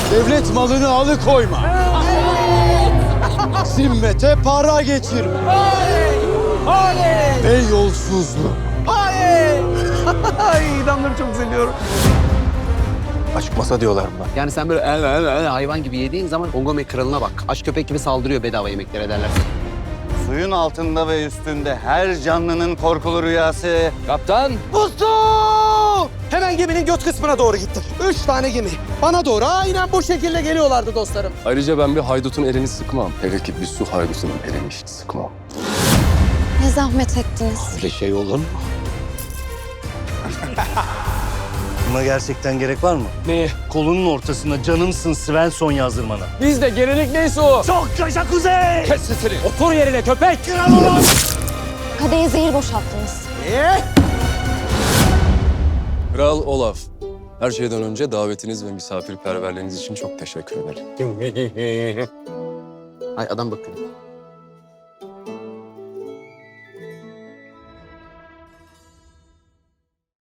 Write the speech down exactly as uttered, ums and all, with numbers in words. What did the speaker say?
Devlet malını alıkoyma. Zimmete para getirme. Ve yolsuzluk. Ay idamları çok seviyorum. Aşk masa diyorlar buna. Yani sen böyle el, el, el, hayvan gibi yediğin zaman Ongome kralına bak. Aç köpek gibi saldırıyor bedava yemeklere derler. Suyun altında ve üstünde her canlının korkulu rüyası. Kaptan! Buldum! Hemen geminin göt kısmına doğru gittim. Üç tane gemi. Bana doğru aynen bu şekilde geliyorlardı dostlarım. Ayrıca ben bir haydutun elini sıkmam. Hele ki bir su haydutunun elini hiç sıkmam. Ne zahmet ettiniz. Öyle şey olur mu? Buna gerçekten gerek var mı? Neye? Kolunun ortasına canımsın Svensson yazdırmana. Bizde gelenek neyse o. Çok yaşa kuzey! Kes sesini. Otur yerine köpek. Kadeye zehir boşalttınız. Kral Olaf. Her şeyden önce davetiniz ve misafirperverliğiniz için çok teşekkür ederim. Ay adam bakıyor.